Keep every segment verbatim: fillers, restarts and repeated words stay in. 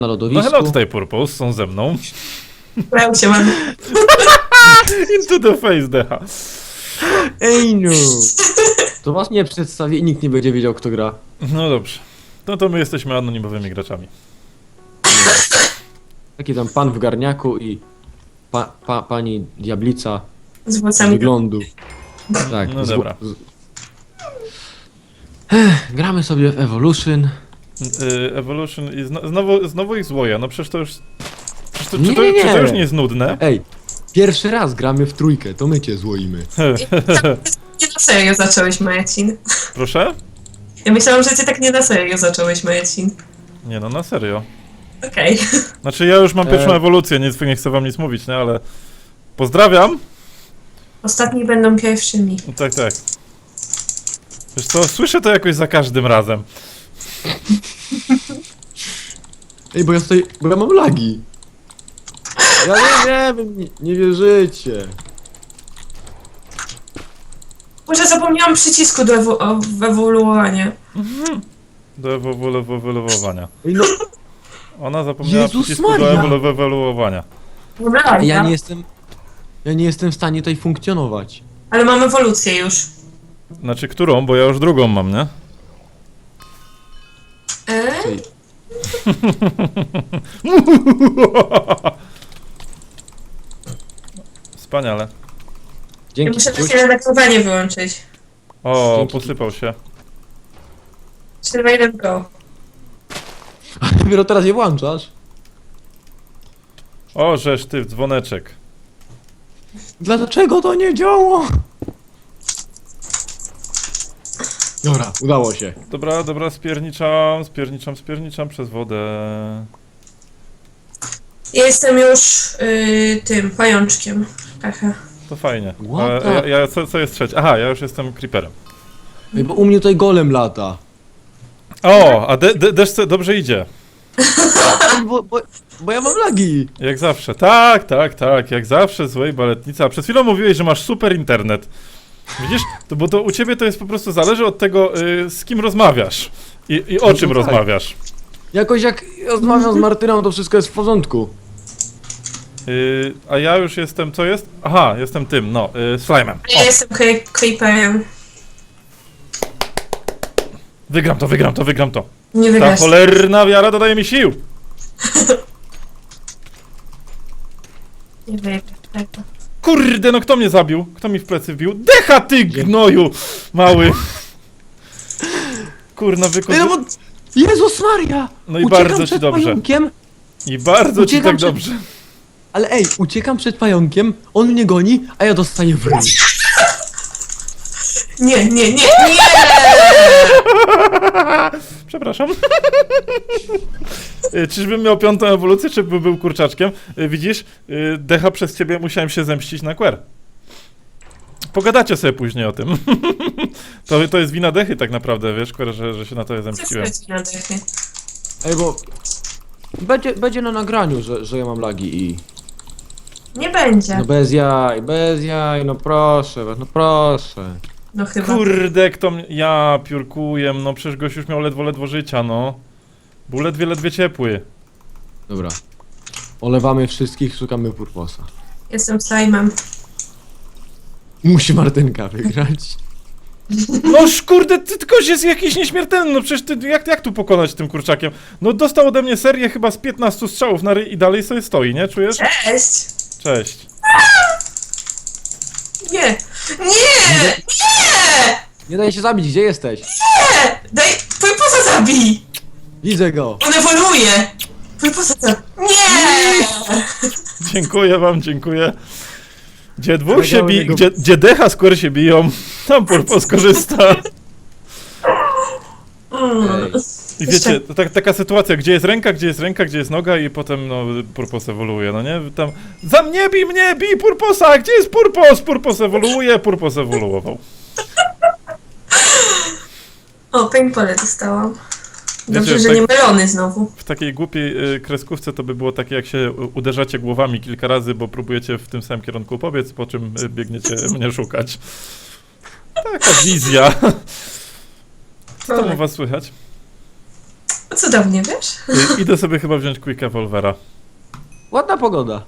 na No lodowisku. hello, tutaj Purpose, są ze mną. Brał się mam. Into the face, decha. Ej no! To was nie przedstawię i nikt nie będzie wiedział, kto gra. No dobrze. No to my jesteśmy anonimowymi graczami. Taki tam pan w garniaku i pa, pa, pani diablica Z z włosami. wyglądu. Tak. No z- dobra. z- Ech, gramy sobie w Evolution. Y, Evolution i zno, znowu, znowu ich złoja, no przecież to już... Przecież to, Nie, czy, to, nie, czy to nie. już nie jest nudne? Ej, pierwszy raz gramy w trójkę, to my cię złoimy. Nie na serio zacząłeś, Marcin. Proszę? Ja myślałam, że ty tak nie na serio zacząłeś, Marcin. Nie no, na serio. Okej. Znaczy ja już mam pierwszą E. ewolucję, nic, nie chcę wam nic mówić, nie, ale... Pozdrawiam! Ostatni będą pierwszymi. Tak, tak. Wiesz co, słyszę to jakoś za każdym razem. Ej, bo ja tutaj, bo ja mam lagi. Ja nie wiem, nie, nie wierzycie. Może zapomniałam przycisku do ewo o- w ewoluowania. Do ewolu- ewoluowania. Ej no, Ona zapomniała Jezus przycisku do Maria! ewolu- ewoluowania. Dobra, ja nie jestem... Ja nie jestem w stanie tutaj funkcjonować. Ale mam ewolucję już. Znaczy którą, bo ja już drugą mam, nie? E? Ej, Wspaniale. Ja dzięki. muszę Czuć. takie redaktowanie wyłączyć. O, Dzięki. posypał się. trzy, dwa, jeden, go. Dopiero teraz je włączasz. O, żeż ty, dzwoneczek. Dlaczego to nie działa? Dobra, udało się. Dobra, dobra, spierniczam, spierniczam, spierniczam przez wodę. Ja jestem już y, tym pajączkiem. Aha. To fajnie. What A, the- ja, ja, co, co jest trzecie? Aha, ja już jestem creeperem. Ej, bo u mnie tutaj golem lata. O, a de, de, deszce dobrze idzie. Ej, bo, bo, bo ja mam lagi. Jak zawsze. Tak, tak, tak, jak zawsze złej baletnica. Przed chwilą mówiłeś, że masz super internet. Widzisz? To, bo to u ciebie to jest po prostu zależy od tego, y, z kim rozmawiasz. I, i o No czym tak. rozmawiasz. Jakoś jak rozmawiam z Martyną, to wszystko jest w porządku. Y, a ja już jestem, co jest? Aha, jestem tym, no, y, slime'em. Ja jestem cre- creeperem. Wygram to, wygram to, wygram to. Nie Ta wygrasz. cholerna wiara dodaje mi sił. Nie wygrasz tego. Kurde, no kto mnie zabił? Kto mi w plecy wbił? Decha ty gnoju, mały. Kurna, Ej, no wykorzy... bo... Jezus Maria! No i Uciekam bardzo ci przed dobrze. pająkiem, I bardzo ci Uciekam tak przed- dobrze. ale ej, uciekam przed pająkiem, on mnie goni, a ja dostaję w ryj. Nie, nie, nie, nie! Przepraszam. Y, Czyżbym miał piątą ewolucję, czy by był kurczaczkiem? Y, Widzisz, y, Decha, przez ciebie musiałem się zemścić na Quer. Pogadacie sobie później o tym. to, to jest wina Dechy tak naprawdę, wiesz, Quer, że, że się na to Co zemściłem. wchodzi na dechy? Ej, bo... Będzie, będzie na nagraniu, że, że ja mam lagi i... Nie będzie. No bez jaj, bez jaj, no proszę, no proszę. No chyba. Kurde, kto mnie... Ja piórkuję, no przecież gość już miał ledwo, ledwo życia, no. Był ledwie, ledwie ciepły. Dobra. Olewamy wszystkich, szukamy purposa. Jestem slime'em. Musi Martynka wygrać. Noż kurde, ty tylko jest jakiś nieśmiertelny, no przecież ty, jak, jak tu pokonać tym kurczakiem? No dostał ode mnie serię chyba z piętnastu strzałów na ryj i dalej sobie stoi, nie? Czujesz? Cześć! Cześć. Nie! Nie! Nie! Nie daj się zabić, gdzie jesteś? Nie! Daj... Purposa zabij! Widzę go. On ewoluuje! Purposa zabij! Nie! Dziękuję wam, dziękuję. Gdzie dwóch się Powiedziałem bi... jego- Gdzie, gdzie Decha skóry się biją, tam Purpos korzysta. Mm. Ej. I wiecie, to tak, taka sytuacja, gdzie jest ręka, gdzie jest ręka, gdzie jest noga i potem, no, Purpos ewoluuje, no nie? Tam, za mnie bij mnie, bij Purposa, gdzie jest Purpos? Purpos ewoluuje, Purpos ewoluował. O, paintball dostałam. Dobrze, Wiecie, że tak- nie melony znowu. W takiej głupiej y, kreskówce to by było takie, jak się u- uderzacie głowami kilka razy, bo próbujecie w tym samym kierunku pobiec, po czym y, biegniecie mnie szukać. Taka wizja. Co tam u was słychać? No cudownie, wiesz? I, idę sobie chyba wziąć Quick Evolvera. Ładna pogoda.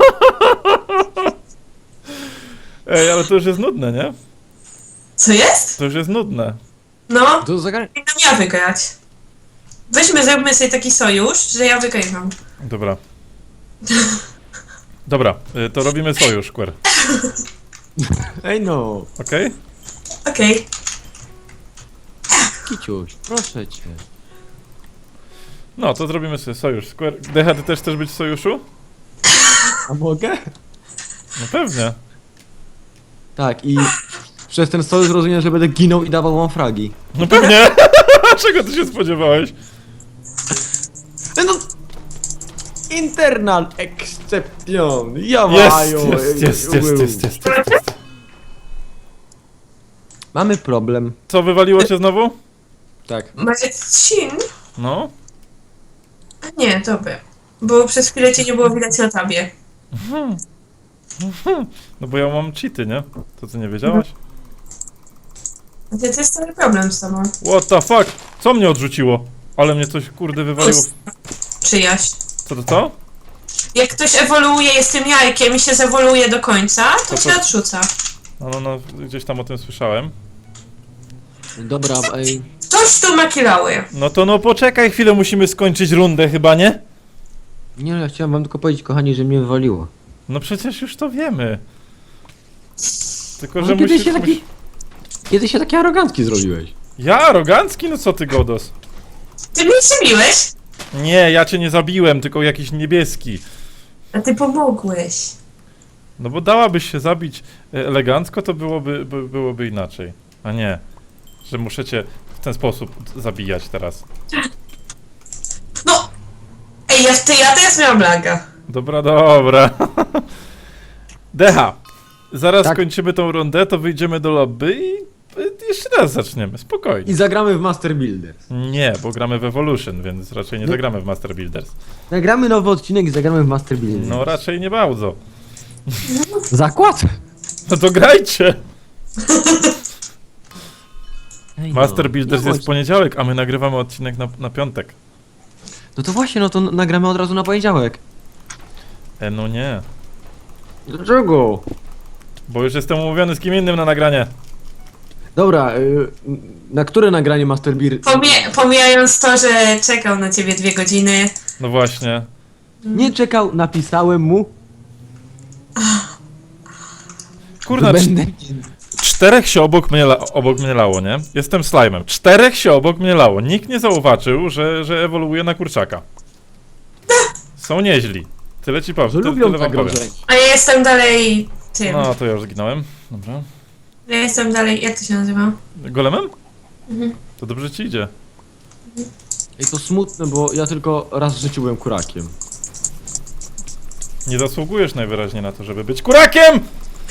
Ej, ale to już jest nudne, nie? Co jest? To już jest nudne. No, To zagra... powinnam ja wygrać. Weźmy, zrobimy sobie taki sojusz, że ja wygrywam. Dobra. Dobra, y, to robimy sojusz, Quer. Ej no, Okej? Okej. Kiciuś, proszę cię. No, to zrobimy sobie sojusz. Square. Decha, ty też chcesz być w sojuszu? A mogę? No pewnie. Tak, i przez ten sojusz rozumiem, że będę ginął i dawał wam fragi. No pewnie! Czego ty się spodziewałeś? E, No... Internal exception! Ja Jest, mają! jest, jest, jest, jest, jest, jest. Mamy problem. Co, wywaliło cię znowu? Tak. Marcin? No. A nie, dobra. Bo przez chwilę cię nie było widać na tabie. No bo ja mam cheaty, nie? To ty nie wiedziałaś? A to, to jest cały problem z tobą. What the fuck? Co mnie odrzuciło? Ale mnie coś kurde wywaliło. w- Przyjaźń. Co to to? Jak ktoś ewoluuje, jest tym jajkiem i się zewoluuje do końca, to To cię po- odrzuca. No, no, no, gdzieś tam o tym słyszałem. Dobra, ej. Ktoś tu makilały. No to no poczekaj chwilę, musimy skończyć rundę chyba, nie? Nie, ja chciałem wam tylko powiedzieć, kochani, że mnie wywaliło. No przecież już to wiemy. Tylko, Ale że kiedy musisz... się taki- musi- Kiedy się taki arogancki zrobiłeś? Ja arogancki? No co ty, Godos? Ty mnie przebiłeś, Nie, ja cię nie zabiłem, tylko jakiś niebieski. a ty pomogłeś. No bo dałabyś się zabić e, elegancko, to byłoby, by, byłoby inaczej. A nie, że muszę cię w ten sposób zabijać teraz. No! Ej, ja, ty, ja teraz miałam laga. Dobra, dobra. Decha, zaraz Tak. kończymy tą rundę, to wyjdziemy do lobby i y, jeszcze raz zaczniemy, spokojnie. I zagramy w Master Builders. Nie, bo gramy w Evolution, więc raczej nie No. zagramy w Master Builders. Nagramy nowy odcinek i zagramy w Master Builders. No raczej nie bardzo. Zakład! No to grajcie! Ej, Master no, Builders nie jest w bądź- poniedziałek, a my nagrywamy odcinek na, na piątek. No to właśnie, no to nagramy od razu na poniedziałek. E, no nie. Dlaczego? Bo już jestem umówiony z kim innym na nagranie. Dobra, y, na które nagranie Master Builders? Pomie pomijając to, że czekał na ciebie dwie godziny. No właśnie. Nie czekał, napisałem mu. Kurna, że cz będę... czterech się obok mnie, la obok mnie lało, nie? Jestem slime'em. Czterech się obok mnie lało. Nikt nie zauwaczył, że, że ewoluuje na kurczaka. Są nieźli. Tyle ci powiem. Że Ty, lubią tyle wam powiem. zagrożenie. A ja jestem dalej tym. No, to ja już zginąłem. Dobra. Ja jestem dalej, jak to się nazywa? Golemem? Mhm. To dobrze ci idzie. Ej, to smutne, bo ja tylko raz w życiu byłem kurakiem. Nie zasługujesz najwyraźniej na to, żeby być kurakiem!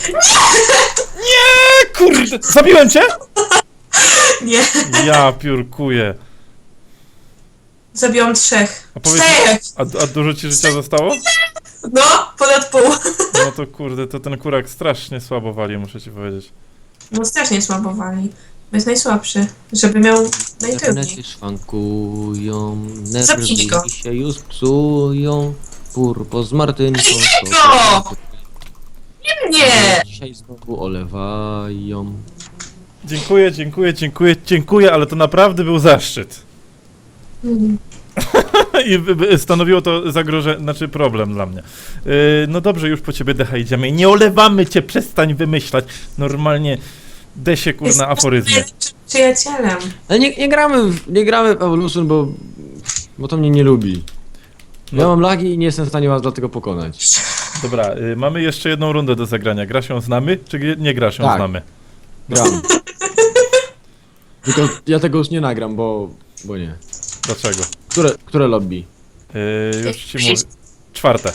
Nie! Kurde! Zabiłem cię? Nie, Ja piórkuję. zabiłam trzech. A powiedz- Czterech! A, a dużo ci życia zostało? No, ponad pół. No to kurde, to ten kurak strasznie słabo wali, muszę ci powiedzieć. No strasznie słabo wali. Bo jest najsłabszy, żeby miał najtrudniej. Internety szwankują, Zabij go. nerwy się już psują. Purpo z Martynką. Zabij to- go! Nie! Dzisiaj znowu olewają. Dziękuję, dziękuję, dziękuję, dziękuję, ale to naprawdę był zaszczyt. Mm. I by- by stanowiło to zagrożenie, znaczy problem dla mnie. Yy, no dobrze, już po ciebie Decha idziemy i nie olewamy cię, przestań wymyślać. Normalnie desie kurna aforyzmy. Jest przyjacielem. Ale nie, nie gramy w, nie gramy w Evolution, bo... Bo to mnie nie lubi. Ja No. mam lagi i nie jestem w stanie was dlatego pokonać. Dobra, yy, mamy jeszcze jedną rundę do zagrania. Gra się znamy, czy gr- nie gra się Tak. znamy? Gram. Tylko ja tego już nie nagram, bo... Bo nie. Dlaczego? Które, które lobby? Yy, już ci mówię. Czwarte.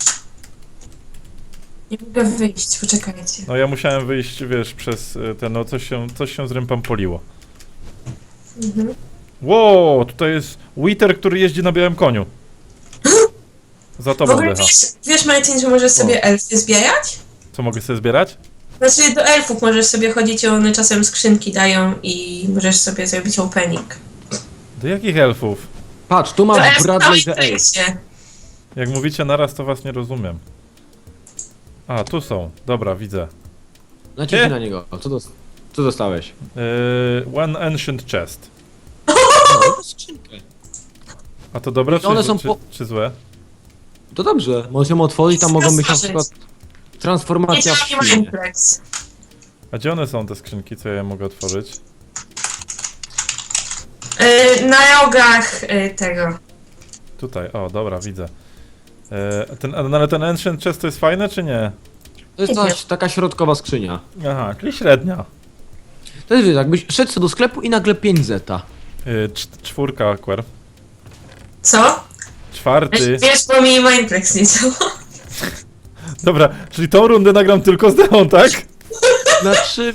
Nie mogę wyjść, poczekajcie. No ja musiałem wyjść, wiesz, przez y, ten, no coś się, coś się z rępam poliło. Mhm. Wow, tutaj jest Wither, który jeździ na białym koniu. Za W tobą ogóle Decha. wiesz, wiesz Martin, że możesz sobie elfy zbierać? Co mogę sobie zbierać? Znaczy do elfów możesz sobie chodzić i one czasem skrzynki dają i możesz sobie zrobić opening. Do jakich elfów? Patrz, tu To masz jest Bradley na the Ace. Minecrafcie. Jak mówicie naraz, to was nie rozumiem. A, tu są. Dobra, widzę. Naciśnij Nie. na niego. Co, dos co dostałeś? Yy, one ancient chest. No, to skrzynkę. A to dobre, I czy, one są czy, po- czy złe? To dobrze, możesz ją otworzyć, tam mogą być na przykład Nie transformacja w działa świnie. Mineplex. A gdzie one są, te skrzynki, co ja mogę otworzyć? Yy, na rogach yy, tego. Tutaj, o, dobra, widzę. Yy, ten, ale ten ancient chest to jest fajne, czy nie? To jest Nie ta, taka środkowa skrzynia. Aha, czyli średnia. To jest, wiesz, jakbyś szedł sobie do sklepu i nagle pięć zeta. Yy, cz- czwórka, Aquer. Co? Czwarty. Wiesz, bo mi Mineplex nie działa. Dobra, czyli tą rundę nagram tylko z Deon, tak? Na trzy...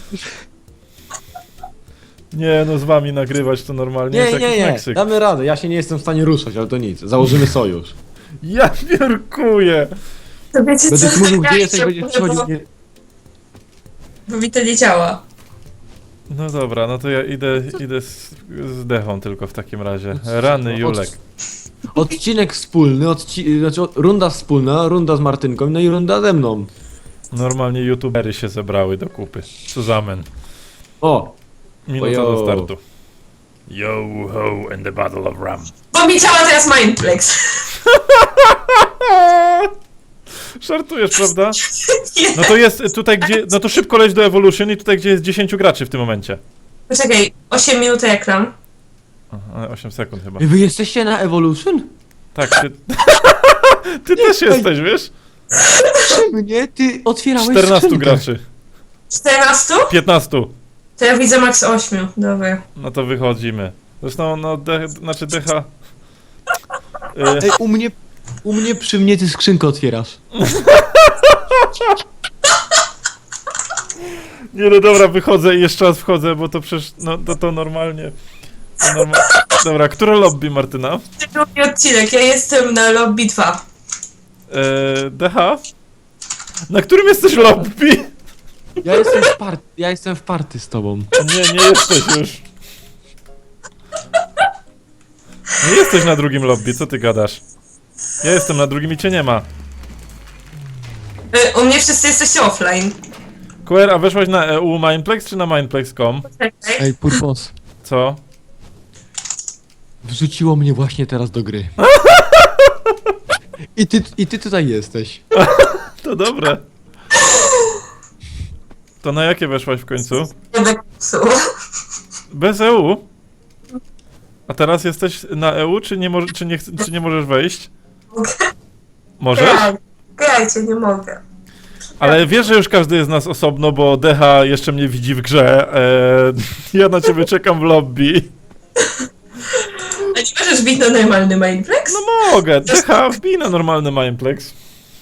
Nie, no z wami nagrywać to normalnie Nie, jest nie, jakiś nie, Meksyk. damy radę, ja się nie jestem w stanie ruszać, ale to nic, założymy sojusz. Ja piórkuję! To wiecie Będę co? ci mówił, gdzie Ja jesteś, się będziesz boję, przychodził... bo- Nie... Bo mi to nie działa. No dobra, no to ja idę, idę z, z Dechą tylko w takim razie. Rany, Julek. Odcinek wspólny, odci... znaczy od- runda wspólna, runda z Martynką, no i runda ze mną. Normalnie youtubery się zebrały do kupy. Suzamen. O! Minuta Ojo. do startu. Yo ho and the battle of Ram. Bo mi działa teraz Mineplex. Żartujesz, prawda? Nie. No to jest tutaj gdzie, no to szybko leć do Evolution i tutaj gdzie jest dziesięciu graczy w tym momencie. Poczekaj, osiem minut ekran. Aha, osiem sekund chyba. Ej, wy jesteście na Evolution? Tak, ty... ty też jesteś, wiesz? Czy mnie? Ty otwierałeś czternastu skrzynkę. graczy. czternastu? piętnastu. To ja widzę max ośmiu. Dobra. No to wychodzimy. Zresztą, no, de, znaczy Decha... Y, Ej, u mnie... U mnie przy mnie ty skrzynkę otwierasz. nie no dobra, wychodzę i jeszcze raz wchodzę, bo to przecież, no to, to normalnie... To norma... Dobra, które lobby, Martyna? Drugi odcinek, ja jestem na lobby dwa. Eee, Decha? Na którym jesteś lobby? Ja jestem w party, ja jestem w party z tobą. Nie, nie jesteś już. Nie jesteś na drugim lobby, co ty gadasz? Ja jestem na drugim i cię nie ma. Y, u mnie wszyscy jesteście offline. Quer, a weszłaś na E U Mineplex czy na Mineplex kropka com? Poczekaj. Ej, Purpos. Co? Wrzuciło mnie właśnie teraz do gry. I ty, i ty tutaj jesteś. To dobre. To na jakie weszłaś w końcu? Będę psuł. Bez E U? A teraz jesteś na E U, czy nie, mo- czy nie, ch- czy nie możesz wejść? Możesz? Graj, grajcie, nie mogę. Ale wiesz, że już każdy jest z nas osobno, bo Decha jeszcze mnie widzi w grze. Eee, ja na ciebie czekam w lobby. A nie możesz bić na normalny Mineplex? No mogę, Decha, wbij na normalny Mineplex.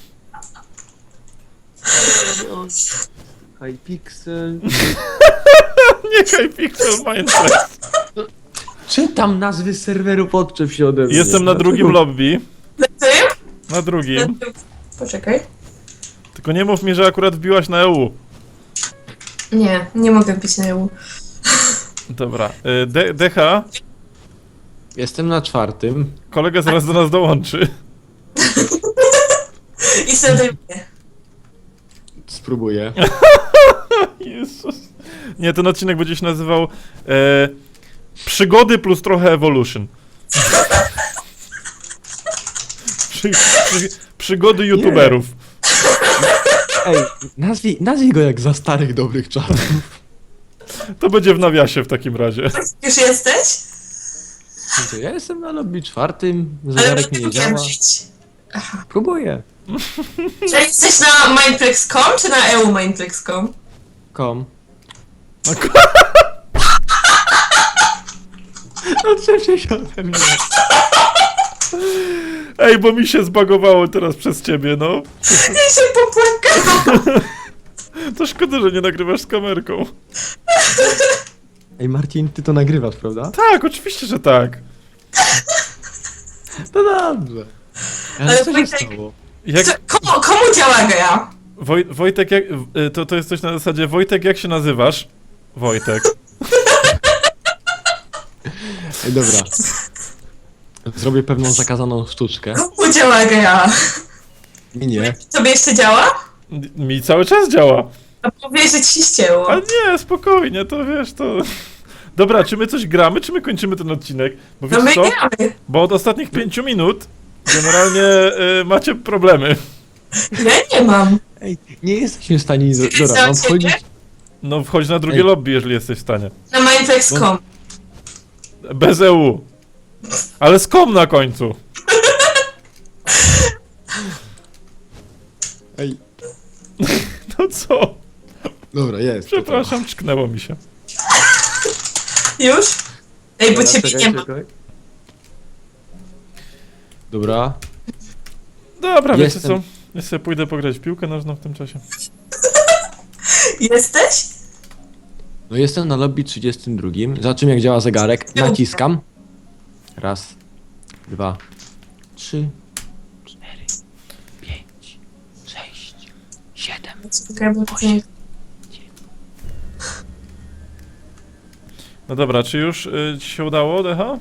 Hypixel. Nie Hypixel Mineplex. Czytam nazwy serweru, podczep się ode mnie. Jestem na drugim lobby. Ty? Na drugim. Poczekaj. Tylko nie mów mi, że akurat wbiłaś na E U. Nie, nie mogę bić na E U. Dobra. y, De Decha, Jestem na czwartym. kolega zaraz do nas dołączy. I sobie Spróbuję. Jezus. Nie, ten odcinek będzie się nazywał e, Przygody plus trochę Evolution. Przy, przy, przygody youtuberów. Ej, nazwij, nazwij go jak za starych dobrych czasów. To będzie w nawiasie w takim razie. Już jesteś? To ja jestem na lobby czwartym, Ale zegarek nie mi nie mogłem działa. żyć. Próbuję. Czy jesteś na Mineplex kropka com czy na E U Mineplex kropka com? Kom. No, ku- Odczep się ode mnie. Ej, bo mi się zbagowało teraz przez ciebie, no. Ja się popłakałam. To szkoda, że nie nagrywasz z kamerką. Ej, Marcin, ty to nagrywasz, prawda? Tak, oczywiście, że tak. No dobrze. Ale Ale co się Wojtek- stało? Jak, Co, komu, komu działa gra? Woj, Wojtek, jak, y, to, to jest coś na zasadzie Wojtek, jak się nazywasz? Wojtek. Ej, dobra. Zrobię pewną zakazaną sztuczkę. Komu działa gra? Mi nie. Tobie jeszcze działa? Mi cały czas działa. A powiedz, że ci się ścięło. A nie, spokojnie, to wiesz, to... Dobra, czy my coś gramy, czy my kończymy ten odcinek? Bo No wiesz my co? gramy. Bo od ostatnich pięciu minut generalnie y, macie problemy. Ja nie mam. Ej, nie jesteśmy w stanie... Czy Dobra, mam za wchodzić... ciebie? No wchodź na drugie Ej. lobby, jeżeli jesteś w stanie. Na Mineplex kropka com. Bez E U. Ale z kom na końcu. Ej, No co? dobra, jest. Przepraszam, czknęło mi się. Już? Ej, bo Dobra, ciebie czekaj, nie ma. czekaj. Dobra. Dobra, Jestem. wiecie co? Ja sobie pójdę pograć w piłkę nożną w tym czasie. Jesteś? No jestem na lobby trzydziestym drugim. Zobaczymy jak działa zegarek. Naciskam. Raz, dwa, trzy, cztery, pięć, sześć, siedem, Czekaj, bo to nie... No dobra, czy już y, ci się udało, Decha?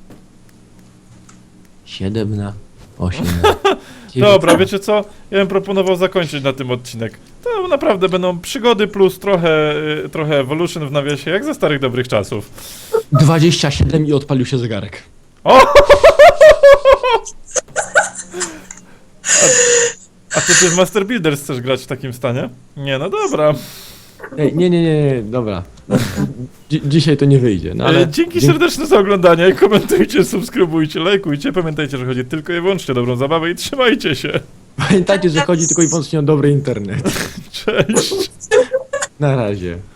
siedem na osiem na Dobra, wiecie co? Ja bym proponował zakończyć na tym odcinek. To naprawdę będą przygody plus trochę, y, trochę Evolution w nawiasie, jak ze starych dobrych czasów. dwadzieścia siedem i odpalił się zegarek. O! A, a to ty w Master Builders chcesz grać w takim stanie? Nie, no dobra. Ej, nie, nie, nie, nie, dobra. Dzi dzisiaj to nie wyjdzie, no ale... Ale... Dzięki serdeczne za oglądanie, komentujcie, subskrybujcie, lajkujcie. Pamiętajcie, że chodzi tylko i wyłącznie o dobrą zabawę i trzymajcie się. Pamiętajcie, że chodzi tylko i wyłącznie o dobry internet. Cześć. Na razie.